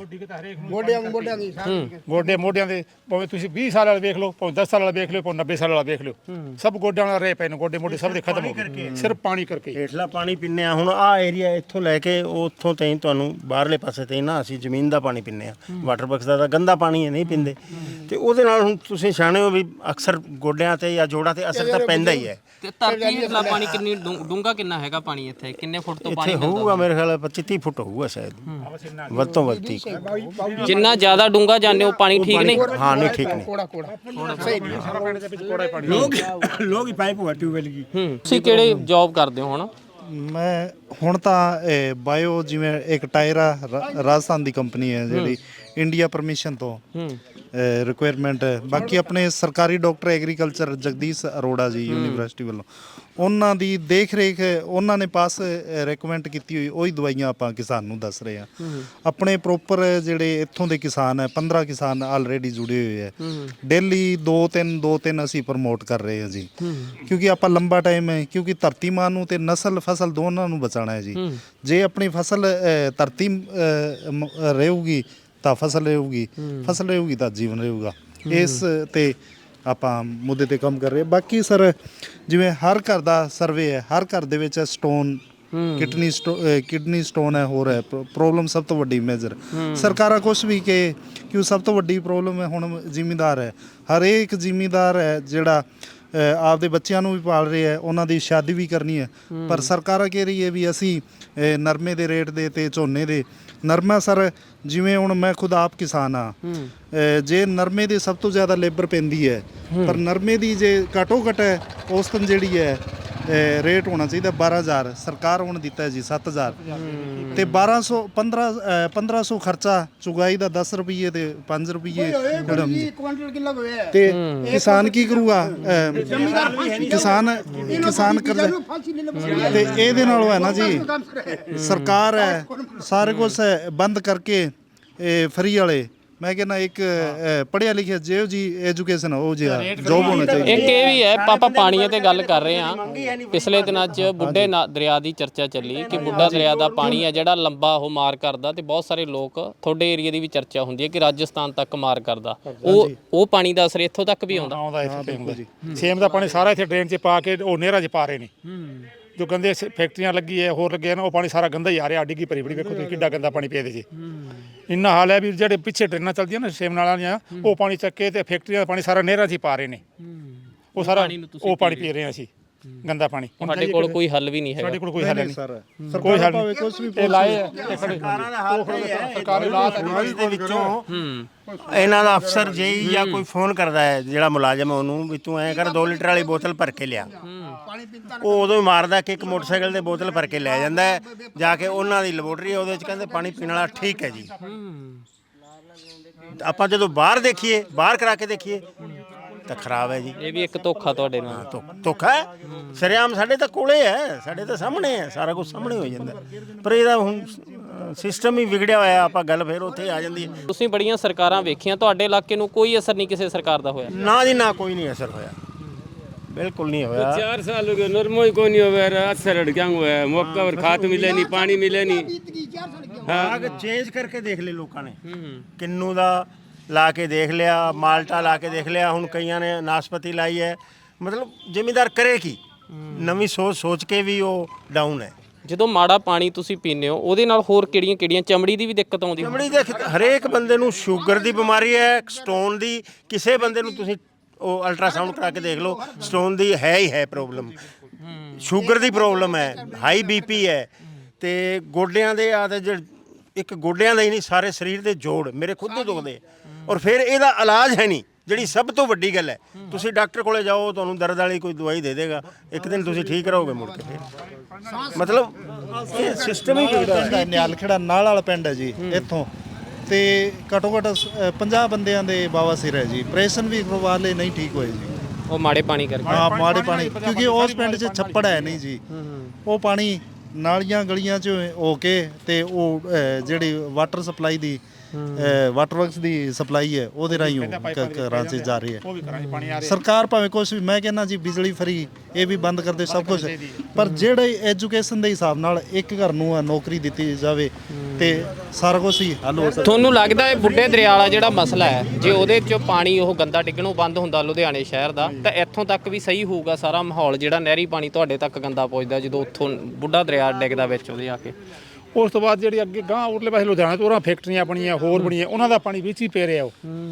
S2: ਗੋਡੇ ਮੋਢਿਆਂ ਦੇ ਭਾਵੇਂ ਤੁਸੀਂ 20 ਸਾਲ ਵਾਲਾ ਵੇਖ ਲਓ, ਭਾਵੇਂ 10 ਸਾਲ ਵਾਲਾ ਵੇਖ ਲਿਓ, ਭਾਵੇਂ 90 ਸਾਲ ਵਾਲਾ ਵੇਖ ਲਿਓ, ਸਭ ਗੋਡਿਆਂ ਨਾਲ ਰਹੇ ਪਏ ਨੇ, ਗੋਡੇ ਮੋਢੇ ਸਭ ਦੇ ਖਤਮ ਹੋ ਗਏ ਸਿਰਫ ਪਾਣੀ ਕਰਕੇ।
S1: ਹੇਠਲਾ ਪਾਣੀ ਪੀਂਦੇ ਆ ਹੁਣ ਆਹ ਏਰੀਆ ਇੱਥੋਂ ਲੈ ਕੇ ਉੱਥੋਂ ਤਾਈਂ ਤੁਹਾਨੂੰ ਬਾਹਰਲੇ ਪਾਸੇ ਤਾਈਂ ਨਾ ਅਸੀਂ ਜ਼ਮੀਨ ਦਾ ਪਾਣੀ ਪੀਂਦੇ ਆ। ਵਾਟਰ ਬਕਸ ਦਾ ਤਾਂ ਗੰਦਾ ਪਾਣੀ ਹੈ, ਨਹੀਂ ਪੀਂਦੇ, ਤੇ ਉਹਦੇ ਨਾਲ ਹੁਣ ਤੁਸੀਂ ਸਿਆਣੇ ਹੋ ਵੀ ਅਕਸਰ ਗੋਡਿਆਂ ਤੇ ਜਾਂ ਜੋੜਾਂ ਤੇ ਅਸਰ ਤਾਂ ਪੈਂਦਾ ਹੀ ਹੈ।
S5: ਤੇ ਧਰਤੀ ਹੇਠਲਾ ਪਾਣੀ ਕਿੰਨੀ ਡੂੰਘਾ ਕਿੰਨਾ ਹੈਗਾ ਪਾਣੀ ਇੱਥੇ? ਕਿੰਨੇ ਫੁੱਟ ਤੋਂ ਪਾਣੀ
S1: ਇੱਥੇ ਹੋਊਗਾ ਮੇਰੇ ਖਿਆਲ 25-30 ਫੁੱਟ ਹੋਊਗਾ ਸ਼ਾਇਦ, ਵੱਧ ਤੋਂ ਵੱਧ 30।
S5: ਜਿੰਨਾ ਜ਼ਿਆਦਾ ਡੂੰਘਾ ਜਾਂਦੇ ਹੋ ਪਾਣੀ ਠੀਕ ਨਹੀਂ?
S1: ਹਾਂ ਨਹੀਂ ਠੀਕ ਨਹੀਂ।
S4: लोग ही पाइप हुआ ट्यूबवेल की।
S5: ਤੁਸੀਂ ਕਿਹੜੇ ਜੌਬ ਕਰਦੇ ਹੋ ਹੁਣ?
S3: ਮੈਂ ਹੁਣ ਤਾਂ ਬਾਇਓ ਜਿਵੇਂ ਇੱਕ ਟਾਇਰਾ ਰਾਜਸਥਾਨ ਦੀ ਕੰਪਨੀ ਹੈ ਜਿਹੜੀ ਇੰਡੀਆ ਪਰਮਿਸ਼ਨ ਤੋਂ ਰਿਕੁਆਇਰਮੈਂਟ ਹੈ। ਬਾਕੀ ਆਪਣੇ ਸਰਕਾਰੀ ਡਾਕਟਰ ਐਗਰੀਕਲਚਰ ਜਗਦੀਸ਼ ਅਰੋੜਾ ਜੀ ਯੂਨੀਵਰਸਿਟੀ ਵੱਲੋਂ ਉਹਨਾਂ ਦੀ ਦੇਖ ਰੇਖ ਉਹਨਾਂ ਨੇ ਪਾਸ ਰეკਮੈਂਡ ਕੀਤੀ ਹੋਈ ਉਹੀ ਦਵਾਈਆਂ ਆਪਾਂ ਕਿਸਾਨ ਨੂੰ ਦੱਸ ਰਹੇ ਹਾਂ। ਆਪਣੇ ਪ੍ਰੋਪਰ ਜਿਹੜੇ ਇੱਥੋਂ ਦੇ ਕਿਸਾਨ ਹੈ 15 ਕਿਸਾਨ ਆਲਰੇਡੀ ਜੁੜੇ ਹੋਏ ਹੈ। ਡੇਲੀ 2-3 ਅਸੀਂ ਪ੍ਰਮੋਟ ਕਰ ਰਹੇ ਹਾਂ ਜੀ, ਕਿਉਂਕਿ ਆਪਾਂ ਲੰਬਾ ਟਾਈਮ ਹੈ, ਕਿਉਂਕਿ ਧਰਤੀ ਮਾਂ ਨੂੰ ਤੇ ਨਸਲ ਫਸਲ ਦੋਨਾਂ ਨੂੰ ਬਚਾਉਣਾ ਹੈ ਜੀ। ਜੇ ਆਪਣੀ ਫਸਲ ਧਰਤੀ ਰਹੂਗੀ ਤਾਂ ਫਸਲ ਰਹੂਗੀ, ਫਸਲ ਰਹੂਗੀ ਤਾਂ ਜੀਵਨ ਰਹੂਗਾ। ਇਸ ਤੇ ਆਪਾਂ ਮੁੱਦੇ ਤੇ ਕੰਮ ਕਰ ਰਹੇ। ਬਾਕੀ ਸਰ ਜਿਵੇਂ ਹਰ ਘਰ ਦਾ ਸਰਵੇ ਹੈ, ਹਰ ਘਰ ਦੇ ਵਿੱਚ ਸਟੋਨ ਕਿਡਨੀ ਸਟੋਨ ਹੈ, ਹੋਰ ਹੈ ਪ੍ਰੋਬਲਮ ਸਭ ਤੋਂ ਵੱਡੀ ਮੇਜਰ। ਸਰਕਾਰਾਂ ਕੁਛ ਵੀ ਕਿ ਕਿਉਂ ਸਭ ਤੋਂ ਵੱਡੀ ਪ੍ਰੋਬਲਮ ਹੈ ਹੁਣ ਜ਼ਿਮੀਂਦਾਰ ਹੈ। ਹਰੇਕ ਜ਼ਿਮੀਂਦਾਰ ਹੈ ਜਿਹੜਾ ਆਪਦੇ ਬੱਚਿਆਂ ਨੂੰ ਵੀ ਪਾਲ ਰਹੇ ਹੈ, ਉਹਨਾਂ ਦੀ ਸ਼ਾਦੀ ਵੀ ਕਰਨੀ ਹੈ। ਪਰ ਸਰਕਾਰਾਂ ਕਹਿ ਰਹੀ ਹੈ ਵੀ ਅਸੀਂ ਨਰਮੇ ਦੇ ਰੇਟ ਦੇ ਤੇ ਝੋਨੇ ਦੇ ਨਰਮਾ ਸਰ ਜਿਵੇਂ ਹੁਣ ਮੈਂ ਖੁਦ ਆਪ ਕਿਸਾਨ ਆ, ਜੇ ਨਰਮੇ ਦੀ ਸਭ ਤੋਂ ਜ਼ਿਆਦਾ ਲੇਬਰ ਪੈਂਦੀ ਹੈ, ਪਰ ਨਰਮੇ ਦੀ ਜੇ ਘੱਟੋ ਘੱਟ ਔਸਤਨ ਜਿਹੜੀ ਹੈ ਰੇਟ ਹੋਣਾ ਚਾਹੀਦਾ 12,000, ਸਰਕਾਰ ਹੁਣ ਦਿੱਤਾ ਹੈ ਜੀ 7,000 ਤੇ 1500 ਖਰਚਾ ਚੁਗਾਈ ਦਾ 10 ਰੁਪਏ ਤੇ 5 ਰੁਪਏ
S4: क्विंटल किलो है
S3: ਤੇ ਕਿਸਾਨ ਕੀ ਕਰੂਗਾ? ਕਿਸਾਨ ਕਰਜ਼ਾ ਤੇ ਇਹਦੇ ਨਾਲੋਂ ਹੈ ਨਾ ਜੀ ਸਰਕਾਰ ਹੈ ਸਾਰੇ ਕੁਝ ਬੰਦ ਕਰਕੇ ਫਰੀ ਵਾਲੇ ਮੈਂ ਕਹਿੰਦਾ ਇੱਕ ਪੜ੍ਹਿਆ ਲਿਖਿਆ ਜਿਹੋ ਜੀ ਐਜੂਕੇਸ਼ਨ ਉਹ ਜਿਹਾ ਜੋਬ ਹੋਣਾ ਚਾਹੀਦਾ।
S5: ਇੱਕ ਇਹ ਵੀ ਹੈ, ਆਪਾਂ ਪਾਣੀਆਂ ਤੇ ਗੱਲ ਕਰ ਰਹੇ ਹਾਂ। ਪਿਛਲੇ ਦਿਨਾਂ 'ਚ ਬੁੱਢੇ ਦਰਿਆ ਦੀ ਚਰਚਾ ਚੱਲੀ ਕਿ ਬੁੱਢਾ ਦਰਿਆ ਦਾ ਪਾਣੀ ਹੈ ਜਿਹੜਾ ਲੰਬਾ ਉਹ ਮਾਰ ਕਰਦਾ, ਤੇ ਬਹੁਤ ਸਾਰੇ ਲੋਕ ਤੁਹਾਡੇ ਏਰੀਆ ਦੀ ਵੀ ਚਰਚਾ ਹੁੰਦੀ ਹੈ ਕਿ ਰਾਜਸਥਾਨ ਤੱਕ ਮਾਰ ਕਰਦਾ। ਉਹ ਪਾਣੀ ਦਾ ਅਸਰ ਇੱਥੋਂ ਤੱਕ ਵੀ ਆਉਂਦਾ।
S2: ਆਉਂਦਾ ਇੱਥੇ ਹੁੰਦਾ ਜੀ। ਸੇਮ ਦਾ ਪਾਣੀ ਸਾਰਾ ਇੱਥੇ ਡਰੇਨ 'ਚ ਪਾ ਕੇ ਉਹ ਨਹਿਰਾਂ 'ਚ ਪਾ ਰਹੇ ਨੇ। ਜੋ ਗੰਦੇ ਫੈਕਟਰੀਆਂ ਲੱਗੀ ਹੈ ਹੋਰ ਲੱਗੇ ਨੇ, ਉਹ ਪਾਣੀ ਸਾਰਾ ਗੰਦਾ ਹੀ ਆ ਰਿਹਾ। ਡਿੱਗੀ ਭਰੀ ਬੜੀ ਵੇਖੋ ਤੁਸੀਂ ਕਿੱਡਾ ਗੰਦਾ ਪਾਣੀ ਪਿਆ ਇਹਦੇ 'ਚ। ਇੰਨਾ ਹਾਲ ਹੈ ਵੀ ਜਿਹੜੇ ਪਿੱਛੇ ਟ੍ਰੇਨਾਂ ਚੱਲਦੀਆਂ ਨਾ ਸੇਮ ਨਾਲਾਂ ਦੀਆਂ, ਉਹ ਪਾਣੀ ਚੱਕ ਕੇ ਤੇ ਫੈਕਟਰੀਆਂ ਦਾ ਪਾਣੀ ਸਾਰਾ ਨਹਿਰਾਂ 'ਚ ਹੀ ਪਾ ਰਹੇ ਨੇ। ਉਹ ਸਾਰਾ ਉਹ ਪਾਣੀ ਪੀ ਰਹੇ ਹਾਂ ਅਸੀਂ, ਗੰਦਾ ਪਾਣੀ।
S5: ਸਾਡੇ ਕੋਲ ਕੋਈ ਹੱਲ ਵੀ ਨਹੀਂ ਹੈਗਾ।
S2: ਸਾਡੇ ਕੋਲ ਕੋਈ ਹੱਲ ਨਹੀਂ
S3: ਸਰ
S2: ਕੋਈ ਹੱਲ ਨਹੀਂ।
S3: ਕੁਝ ਵੀ
S2: ਇਹ ਲਾਏ ਆ
S1: ਸਰਕਾਰਾਂ ਦਾ ਹਾਲ ਇਹ ਹੈ
S2: ਸਰਕਾਰੀ ਰਾਤ
S1: ਦੇ ਵਿੱਚੋਂ ਇਹਨਾਂ ਦਾ ਅਫਸਰ ਜੇਈ ਜਾਂ ਕੋਈ ਫੋਨ ਕਰਦਾ ਹੈ ਜਿਹੜਾ ਮੁਲਾਜ਼ਮ ਹੈ ਉਹਨੂੰ ਵੀ ਤੂੰ ਐਂ ਕਰ 2 ਲੀਟਰ ਵਾਲੀ ਬੋਤਲ ਭਰ ਕੇ ਲਿਆ। ਉਹ ਉਦੋਂ ਹੀ ਮਾਰਦਾ ਕਿ ਇੱਕ ਮੋਟਰਸਾਈਕਲ ਦੇ ਬੋਤਲ ਭਰ ਕੇ ਲੈ ਜਾਂਦਾ ਹੈ, ਜਾ ਕੇ ਉਹਨਾਂ ਦੀ ਲੈਬੋਰਟਰੀ ਹੈ ਉਹਦੇ ਵਿੱਚ ਕਹਿੰਦੇ ਪਾਣੀ ਪੀਣ ਵਾਲਾ ਠੀਕ ਹੈ ਜੀ। ਆਪਾਂ ਜਦੋਂ ਬਾਹਰ ਦੇਖੀਏ, ਬਾਹਰ ਕਰਾ ਕੇ ਦੇਖੀਏ ਤਾਂ ਖਰਾਬ ਹੈ ਜੀ।
S5: ਇਹ ਵੀ ਇੱਕ ਧੋਖਾ ਤੁਹਾਡੇ ਨਾਲ।
S1: ਧੋਖਾ ਹੈ ਸਰਿਆਮ, ਸਾਡੇ ਤਾਂ ਕੋਲੇ ਹੈ, ਸਾਡੇ ਤਾਂ ਸਾਹਮਣੇ ਹੈ, ਸਾਰਾ ਕੁਝ ਸਾਹਮਣੇ ਹੋ ਜਾਂਦਾ। ਪਰ ਇਹਦਾ ਹੁਣ ਸਿਸਟਮ ਹੀ ਵਿਗੜਿਆ ਹੋਇਆ। ਆਪਾਂ ਗੱਲ ਫਿਰ ਉੱਥੇ ਆ ਜਾਂਦੀ ਹੈ।
S5: ਤੁਸੀਂ ਬੜੀਆਂ ਸਰਕਾਰਾਂ ਵੇਖੀਆਂ, ਤੁਹਾਡੇ ਇਲਾਕੇ ਨੂੰ ਕੋਈ ਅਸਰ ਨਹੀਂ ਕਿਸੇ ਸਰਕਾਰ ਦਾ ਹੋਇਆ?
S1: ਨਾ ਜੀ ਨਾ, ਕੋਈ ਨਹੀਂ ਅਸਰ ਹੋਇਆ, बिल्कुल नहीं होया।
S6: 4 साल हो गए, नॉर्मल ही कोई नहीं हुआ। असर क्या हुआ है? मौका पर खाद मिले नहीं, पानी मिले नहीं।
S1: ਬਾਗ ਚੇਂਜ ਕਰਕੇ ਦੇਖ ਲਏ ਲੋਕਾਂ ਨੇ, ਕਿੰਨੂ ਦਾ ਲਾ ਕੇ ਦੇਖ ਲਿਆ, ਮਾਲਟਾ ਲਾ ਕੇ ਦੇਖ ਲਿਆ, ਹੁਣ ਕਈਆਂ ਨੇ ਨਾਸਪਤੀ ਲਾਈ ਹੈ। ਮਤਲਬ ਜ਼ਿਮੀਂਦਾਰ ਕਰੇ ਕੀ? ਨਵੀਂ ਸੋਚ ਕੇ ਵੀ ਉਹ ਡਾਊਨ ਹੈ।
S5: ਜਦੋਂ ਮਾੜਾ ਪਾਣੀ ਤੁਸੀਂ ਪੀਂਦੇ ਹੋ ਉਹਦੇ ਨਾਲ ਹੋਰ ਕਿਹੜੀਆਂ ਚਮੜੀ ਦੀ ਵੀ ਦਿੱਕਤ ਆਉਂਦੀ?
S1: ਚਮੜੀ ਦੇ ਹਰੇਕ ਬੰਦੇ ਨੂੰ ਸ਼ੂਗਰ ਦੀ ਬਿਮਾਰੀ ਹੈ, ਸਟੋਨ ਦੀ। ਕਿਸੇ ਬੰਦੇ ਨੂੰ ਤੁਸੀਂ ਉਹ ਅਲਟਰਾਸਾਊਂਡ ਕਰਾ ਕੇ ਦੇਖ ਲਓ, ਸਟੋਨ ਦੀ ਹੈ ਹੀ ਹੈ ਪ੍ਰੋਬਲਮ, ਸ਼ੂਗਰ ਦੀ ਪ੍ਰੋਬਲਮ ਹੈ, ਹਾਈ ਬੀਪੀ ਹੈ, ਤੇ ਗੋਡਿਆਂ ਦੇ ਆ ਤੇ ਇੱਕ ਗੋਡਿਆਂ ਦਾ ਹੀ ਨਹੀਂ ਸਾਰੇ ਸਰੀਰ ਦੇ ਜੋੜ ਮੇਰੇ ਖੁਦ ਦੇ ਦੁਖਦੇ। ਔਰ ਫਿਰ ਇਹਦਾ ਇਲਾਜ ਹੈ ਨਹੀਂ, ਜਿਹੜੀ ਸਭ ਤੋਂ ਵੱਡੀ ਗੱਲ ਹੈ। ਤੁਸੀਂ ਡਾਕਟਰ ਕੋਲੇ ਜਾਓ, ਤੁਹਾਨੂੰ ਦਰਦ ਵਾਲੀ ਕੋਈ ਦਵਾਈ ਦੇ ਦੇਗਾ, ਇੱਕ ਦਿਨ ਤੁਸੀਂ ਠੀਕ ਰਹੋਗੇ, ਮੁੜ ਕੇ ਫਿਰ ਮਤਲਬ ਇਹ ਸਿਸਟਮ ਹੀ ਵਿਗੜਿਆ।
S3: ਨਿਆਲਖੇੜਾ ਨਾਲ ਵਾਲਾ ਪਿੰਡ ਹੈ ਜੀ, ਇੱਥੋਂ ਤੇ ਘੱਟੋ ਘੱਟ 50 ਬੰਦਿਆਂ ਦੇ ਬਾਵਾਸੀਰ ਹੈ ਜੀ। ਆਪਰੇਸ਼ਨ ਵੀ ਕਰਵਾ ਲਏ, ਨਹੀਂ ਠੀਕ ਹੋਏ ਜੀ।
S5: ਉਹ ਮਾੜੇ ਪਾਣੀ ਕਰਕੇ?
S3: ਹਾਂ ਮਾੜੇ ਪਾਣੀ, ਕਿਉਂਕਿ ਉਸ ਪਿੰਡ 'ਚ ਛੱਪੜ ਹੈ ਨਹੀਂ ਜੀ। ਉਹ ਪਾਣੀ ਨਾਲੀਆਂ ਗਲੀਆਂ 'ਚ ਹੋ ਕੇ ਤੇ ਉਹ ਜਿਹੜੀ ਵਾਟਰ ਸਪਲਾਈ ਦੀ ਵਾਟਰ ਵਰਕਸ ਦੀ ਸਪਲਾਈ ਹੈ ਉਹਦੇ ਰਾਹੀਂ ਘਰਾਂ 'ਚ ਜਾ ਰਹੀ ਹੈ। ਸਰਕਾਰ ਭਾਵੇਂ ਕੁਛ ਵੀ, ਮੈਂ ਕਹਿੰਦਾ ਜੀ ਬਿਜਲੀ ਫਰੀ ਇਹ ਵੀ ਬੰਦ ਕਰਦੇ ਸਭ ਕੁਝ, ਪਰ ਜਿਹੜੇ ਐਜੂਕੇਸ਼ਨ ਦੇ ਹਿਸਾਬ ਨਾਲ ਇੱਕ ਘਰ ਨੂੰ ਨੌਕਰੀ ਦਿੱਤੀ ਜਾਵੇ ਤੇ ਸਾਰਾ ਕੁਝ ਹੀ ਹੱਲ ਹੋ ਸਕਦਾ।
S5: ਤੁਹਾਨੂੰ ਲੱਗਦਾ ਹੈ ਬੁੱਢੇ ਦਰਿਆ ਵਾਲਾ ਜਿਹੜਾ ਮਸਲਾ ਹੈ, ਜੇ ਉਹਦੇ 'ਚੋਂ ਪਾਣੀ ਉਹ ਗੰਦਾ ਡਿੱਗਣੋਂ ਬੰਦ ਹੁੰਦਾ ਲੁਧਿਆਣੇ ਸ਼ਹਿਰ ਦਾ, ਤਾਂ ਇੱਥੋਂ ਤੱਕ ਵੀ ਸਹੀ ਹੋਊਗਾ ਸਾਰਾ ਮਾਹੌਲ? ਜਿਹੜਾ ਨਹਿਰੀ ਪਾਣੀ ਤੁਹਾਡੇ ਤੱਕ ਗੰਦਾ ਪਹੁੰਚਦਾ ਜਦੋਂ ਉੱਥੋਂ ਬੁੱਢਾ ਦਰਿਆ ਡਿੱਗਦਾ ਵਿੱਚ ਉਹਦੇ ਆ ਕੇ,
S2: ਉਸ ਤੋਂ ਬਾਅਦ ਜਿਹੜੀ ਅੱਗੇ ਗਾਂ ਉਰਲੇ ਪਾਸੇ ਲੁਧਿਆਣਾ ਤੋਂ ਉਹਨਾਂ ਫੈਕਟਰੀਆਂ ਬਣੀਆਂ ਹੋਰ ਬਣੀਆਂ, ਉਹਨਾਂ ਦਾ ਪਾਣੀ ਵਿੱਚ ਹੀ ਪੈ ਰਿਹਾ। ਉਹ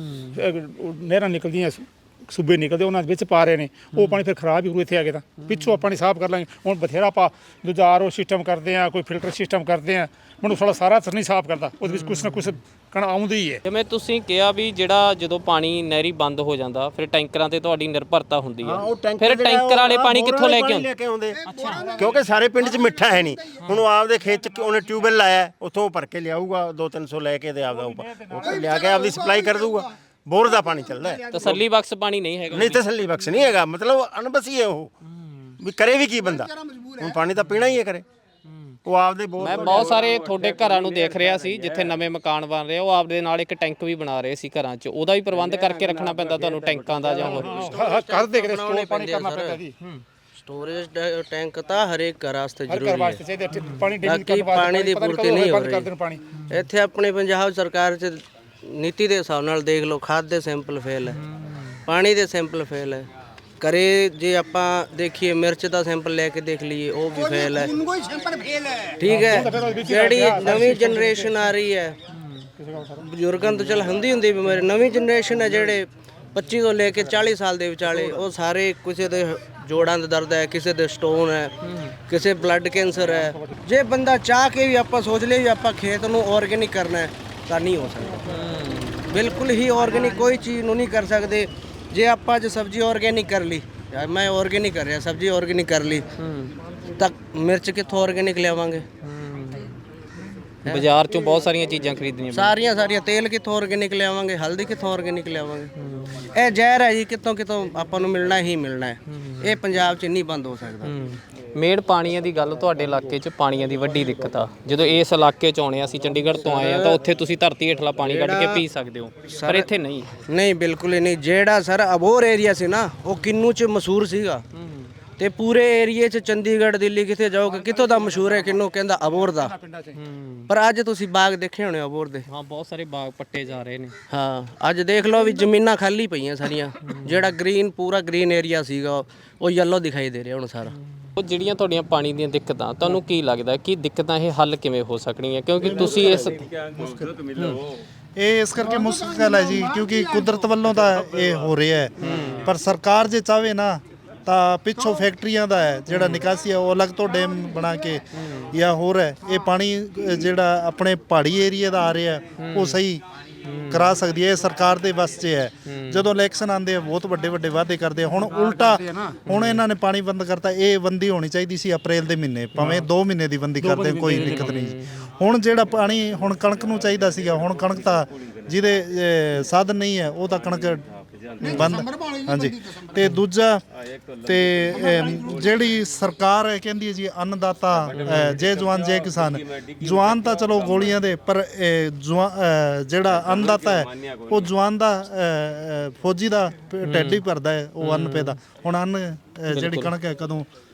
S2: ਨਹਿਰਾਂ ਨਿਕਲਦੀਆਂ, ਸੂਬੇ ਨਿਕਲਦੇ, ਉਹਨਾਂ ਵਿੱਚ ਪਾ ਰਹੇ ਨੇ। ਉਹ ਪਾਣੀ ਫਿਰ ਖਰਾਬ ਹੀ ਹੋਊ ਇੱਥੇ ਆ ਕੇ। ਤਾਂ ਪਿੱਛੋਂ ਪਾਣੀ ਸਾਫ਼ ਕਰ ਲਾਂਗੇ। ਹੁਣ ਬਥੇਰਾ ਆਪਾਂ ਦੂਜਾ ਆਰਓ ਸਿਸਟਮ ਕਰਦੇ ਆ, ਕੋਈ ਫਿਲਟਰ ਸਿਸਟਮ ਕਰਦੇ ਆ, ਮੈਨੂੰ ਸਾਰਾ ਅਸਰ ਨਹੀਂ ਸਾਫ਼ ਕਰਦਾ। ਉਹਦੇ ਵਿੱਚ ਕੁਛ ਨਾ ਕੁਛ ਕਣ ਆਉਂਦੀ ਹੀ ਹੈ। ਜਿਵੇਂ
S5: ਤੁਸੀਂ ਕਿਹਾ ਵੀ ਜਿਹੜਾ ਜਦੋਂ ਪਾਣੀ ਨਹਿਰੀ ਬੰਦ ਹੋ ਜਾਂਦਾ ਫਿਰ ਟੈਂਕਰਾਂ ਤੇ ਤੁਹਾਡੀ ਨਿਰਭਰਤਾ ਹੁੰਦੀ ਹੈ, ਫਿਰ ਟੈਂਕਰ ਵਾਲੇ ਪਾਣੀ ਕਿੱਥੋਂ ਲੈ ਕੇ ਆਉਂਦੇ?
S1: ਕਿਉਂਕਿ ਸਾਰੇ ਪਿੰਡ 'ਚ ਮਿੱਠਾ ਹੈ ਨਹੀਂ। ਹੁਣ ਉਹ ਆਪਦੇ ਖੇਤ 'ਚ ਉਹਨੇ ਟਿਊਬਵੈਲ ਲਾਇਆ, ਉੱਥੋਂ ਭਰ ਕੇ ਲਿਆਊਗਾ 200-300 ਲੈ ਕੇ, ਤੇ ਆਪਦਾ ਉਹ ਲਿਆ ਕੇ ਆਪਦੀ ਸਪਲਾਈ ਕਰ ਦੂਗਾ। ਬੋਰ ਦਾ ਪਾਣੀ ਚੱਲਦਾ ਹੈ।
S5: ਤਸੱਲੀ ਬਖਸ਼ ਪਾਣੀ ਨਹੀਂ ਹੈਗਾ?
S1: ਨਹੀਂ, ਤਸੱਲੀ ਬਖਸ਼ ਨਹੀਂ ਹੈਗਾ। ਮਤਲਬ ਅਣਬਸੀ ਹੈ ਉਹ, ਵੀ ਕਰੇ ਵੀ ਕੀ ਬੰਦਾ। ਹੁਣ ਪਾਣੀ ਤਾਂ ਪੀਣਾ ਹੀ ਹੈ, ਕਰੇ ਉਹ ਆਪਦੇ ਬੋਰ।
S5: ਮੈਂ ਬਹੁਤ ਸਾਰੇ ਤੁਹਾਡੇ ਘਰਾਂ ਨੂੰ ਦੇਖ ਰਿਹਾ ਸੀ ਜਿੱਥੇ ਨਵੇਂ ਮਕਾਨ ਬਣ ਰਹੇ, ਉਹ ਆਪਦੇ ਨਾਲ ਇੱਕ ਟੈਂਕ ਵੀ ਬਣਾ ਰਹੇ ਸੀ ਘਰਾਂ 'ਚ। ਉਹਦਾ ਵੀ ਪ੍ਰਬੰਧ ਕਰਕੇ ਰੱਖਣਾ ਪੈਂਦਾ ਤੁਹਾਨੂੰ, ਟੈਂਕਾਂ ਦਾ ਜਾਂ ਹੋਰ?
S2: ਕਰਦੇ ਕਿਤੇ ਸਟੋਰ ਪਾਣੀ ਕਰਨਾ ਪੈਂਦਾ ਜੀ।
S7: स्टोरेज टैंक ਤਾਂ ਹਰੇਕ ਘਰ ਵਾਸਤੇ ਜ਼ਰੂਰੀ ਹੈ।
S2: ਪਾਣੀ
S7: ਪਾਣੀ ਦੀ ਪੂਰਤੀ ਨਹੀਂ ਹੋ ਰਹੀ ਇੱਥੇ। ਆਪਣੇ ਪੰਜਾਬ ਸਰਕਾਰ 'ਚ ਨੀਤੀ ਦੇ ਹਿਸਾਬ ਨਾਲ ਦੇਖ ਲਓ, ਖਾਦ ਦੇ ਸੈਂਪਲ ਫੇਲ ਹੈ, ਪਾਣੀ ਦੇ ਸੈਂਪਲ ਫੇਲ ਹੈ। ਕਰੇ ਜੇ ਆਪਾਂ ਦੇਖੀਏ ਮਿਰਚ ਦਾ ਸੈਂਪਲ ਲੈ ਕੇ ਦੇਖ ਲਈਏ, ਉਹ ਵੀ ਫੇਲ ਹੈ। ਠੀਕ ਹੈ, ਜਿਹੜੀ ਨਵੀਂ ਜਨਰੇਸ਼ਨ ਆ ਰਹੀ ਹੈ, ਬਜ਼ੁਰਗਾਂ ਤੋਂ ਚੱਲ ਹੁੰਦੀ ਬਿਮਾਰੀ, ਨਵੀਂ ਜਨਰੇਸ਼ਨ ਹੈ ਜਿਹੜੇ 25 ਤੋਂ ਲੈ ਕੇ 40 ਸਾਲ ਦੇ ਵਿਚਾਲੇ ਉਹ ਸਾਰੇ ਕਿਸੇ ਦੇ ਜੋੜਾਂ ਦਾ ਦਰਦ ਹੈ, ਕਿਸੇ ਦੇ ਸਟੋਨ ਹੈ, ਕਿਸੇ ਬਲੱਡ ਕੈਂਸਰ ਹੈ। ਜੇ ਬੰਦਾ ਚਾਹ ਕੇ ਵੀ ਆਪਾਂ ਸੋਚ ਲਈਏ ਵੀ ਆਪਾਂ ਖੇਤ ਨੂੰ ਆਰਗੇਨਿਕ ਕਰਨਾ ਹੈ ਤਾਂ ਨਹੀਂ ਹੋ ਸਕਦਾ। ਬਿਲਕੁਲ ਹੀ ਆਰਗੇਨਿਕ ਕੋਈ ਚੀਜ਼ ਨੂੰ ਨਹੀਂ ਕਰ ਸਕਦੇ। ਜੇ ਆਪਾਂ ਅੱਜ ਸਬਜ਼ੀ ਆਰਗੇਨਿਕ ਕਰ ਲਈ, ਮੈਂ ਆਰਗੇਨਿਕ ਕਰ ਰਿਹਾ, ਸਬਜ਼ੀ ਆਰਗੇਨਿਕ ਕਰ ਲਈ, ਤਾਂ ਮਿਰਚ ਕਿੱਥੋਂ ਆਰਗੇਨਿਕ ਲਿਆਵਾਂਗੇ?
S5: ਬਾਜ਼ਾਰ ਚੋਂ ਬਹੁਤ ਸਾਰੀਆਂ ਚੀਜ਼ਾਂ ਖਰੀਦਣੀਆਂ
S7: ਸਾਰੀਆਂ ਤੇਲ ਕਿੱਥੋਂ ਆਰਗੇਨਿਕ ਲਿਆਵਾਂਗੇ, ਹਲਦੀ ਕਿੱਥੋਂ ਆਰਗੇਨਿਕ ਲਿਆਵਾਂਗੇ? ਇਹ ਜ਼ਹਿਰ ਹੈ ਜੀ, ਕਿਤੋਂ ਆਪਾਂ ਨੂੰ ਮਿਲਣਾ ਹੀ ਮਿਲਣਾ ਹੈ। ਇਹ ਪੰਜਾਬ 'ਚ ਨਹੀਂ ਬੰਦ ਹੋ ਸਕਦਾ।
S5: ਮੇੜ ਪਾਣੀਆਂ ਦੀ ਗੱਲ, ਤੁਹਾਡੇ ਇਲਾਕੇ 'ਚ ਪਾਣੀਆਂ ਦੀ ਵੱਡੀ ਦਿੱਕਤ ਆ। ਜਦੋਂ ਇਸ ਇਲਾਕੇ 'ਚ ਆਉਣੇ, ਅਸੀਂ ਚੰਡੀਗੜ੍ਹ ਤੋਂ ਆਏ ਆ, ਤਾਂ ਉੱਥੇ ਤੁਸੀਂ ਧਰਤੀ ਹੇਠਲਾ ਪਾਣੀ ਕੱਢ ਕੇ ਪੀ ਸਕਦੇ ਹੋ, ਪਰ ਇੱਥੇ ਨਹੀਂ।
S7: ਬਿਲਕੁਲ ਹੀ ਨਹੀਂ। ਜਿਹੜਾ ਸਰ ਅਬੋਹਰ ਏਰੀਆ ਸੀ ਨਾ, ਉਹ ਕਿੰਨੂ 'ਚ ਮਸ਼ਹੂਰ ਸੀਗਾ, ਤੇ ਪੂਰੇ ਏਰੀਏ 'ਚ ਚੰਡੀਗੜ੍ਹ ਦਿੱਲੀ ਕਿੱਥੇ ਜਾਓਗੇ, ਕਿੱਥੋਂ ਦਾ ਮਸ਼ਹੂਰ ਹੈ ਕਿੰਨੂ? ਕਹਿੰਦਾ ਅਬੋਹਰ ਦਾ। ਪਰ ਅੱਜ ਤੁਸੀਂ ਬਾਗ ਦੇਖੇ ਹੋਣੇ ਅਬੋਹਰ ਦੇ।
S5: ਹਾਂ, ਬਹੁਤ ਸਾਰੇ ਬਾਗ ਪੱਟੇ ਜਾ ਰਹੇ ਨੇ।
S7: ਹਾਂ, ਅੱਜ ਦੇਖ ਲਓ ਵੀ ਜ਼ਮੀਨਾਂ ਖਾਲੀ ਪਈਆਂ ਸਾਰੀਆਂ। ਜਿਹੜਾ ਪੂਰਾ ਗ੍ਰੀਨ ਏਰੀਆ ਸੀਗਾ ਉਹ ਯੈਲੋ ਦਿਖਾਈ ਦੇ ਰਿਹਾ ਹੁਣ ਸਾਰਾ।
S5: ਉਹ ਜਿਹੜੀਆਂ ਤੁਹਾਡੀਆਂ ਪਾਣੀ ਦੀਆਂ ਦਿੱਕਤਾਂ, ਤੁਹਾਨੂੰ ਕੀ ਲੱਗਦਾ ਕਿ ਦਿੱਕਤਾਂ ਇਹ ਹੱਲ ਕਿਵੇਂ ਹੋ ਸਕਣਗੀਆਂ? ਕਿਉਂਕਿ ਤੁਸੀਂ ਇਸ
S3: ਇਹ ਇਸ ਕਰਕੇ ਮੁਸ਼ਕਲ ਹੈ ਜੀ, ਕਿਉਂਕਿ ਕੁਦਰਤ ਵੱਲੋਂ ਤਾਂ ਇਹ ਹੋ ਰਿਹਾ ਹੈ। ਪਰ ਸਰਕਾਰ ਜੇ ਚਾਹਵੇ ਨਾ ਤਾਂ ਪਿੱਛੋਂ ਫੈਕਟਰੀਆਂ ਦਾ ਹੈ ਜਿਹੜਾ ਨਿਕਾਸੀ ਹੈ, ਉਹ ਅਲੱਗ ਤੋਂ ਡੈਮ ਬਣਾ ਕੇ ਜਾਂ ਹੋਰ ਹੈ, ਇਹ ਪਾਣੀ ਜਿਹੜਾ ਆਪਣੇ ਪਹਾੜੀ ਏਰੀਆ ਦਾ ਆ ਰਿਹਾ ਉਹ ਸਹੀ ਕਰਾ ਸਕਦੀ ਹੈ। ਇਹ ਸਰਕਾਰ ਦੇ ਵੱਸ 'ਚ ਹੈ। ਜਦੋਂ ਇਲੈਕਸ਼ਨ ਆਉਂਦੇ ਆ ਬਹੁਤ ਵੱਡੇ ਵੱਡੇ ਵਾਅਦੇ ਕਰਦੇ ਆ। ਹੁਣ ਉਲਟਾ ਹੁਣ ਇਹਨਾਂ ਨੇ ਪਾਣੀ ਬੰਦ ਕਰਤਾ। ਇਹ ਬੰਦੀ ਹੋਣੀ ਚਾਹੀਦੀ ਸੀ ਅਪ੍ਰੈਲ ਦੇ ਮਹੀਨੇ, ਭਾਵੇਂ 2 ਮਹੀਨੇ ਦੀ ਬੰਦੀ ਕਰਦੇ, ਕੋਈ ਦਿੱਕਤ ਨਹੀਂ। ਹੁਣ ਜਿਹੜਾ ਪਾਣੀ ਹੁਣ ਕਣਕ ਨੂੰ ਚਾਹੀਦਾ ਸੀਗਾ, ਹੁਣ ਕਣਕ ਤਾਂ ਜਿਹਦੇ ਸਾਧਨ ਨਹੀਂ ਹੈ ਉਹ ਤਾਂ ਕਣਕ ਬੰਦ। ਹਾਂਜੀ, ਤੇ ਦੂਜਾ ਤੇ ਜਿਹੜੀ ਸਰਕਾਰ ਹੈ ਕਹਿੰਦੀ ਹੈ ਜੀ ਅੰਨਦਾਤਾ, ਜੈ ਜਵਾਨ ਜੈ ਕਿਸਾਨ। ਜਵਾਨ ਤਾਂ ਚਲੋ ਗੋਲੀਆਂ ਦੇ, ਪਰ ਜਿਹੜਾ ਅੰਨਦਾਤਾ ਹੈ ਉਹ ਜਵਾਨ ਦਾ ਫੌਜੀ ਦਾ ਢਿੱਡ ਹੀ ਭਰਦਾ ਹੈ, ਉਹ ਅੰਨ ਪੈਦਾ। ਹੁਣ ਅੰਨ ਜਿਹੜੀ ਕਣਕ ਹੈ ਕਦੋਂ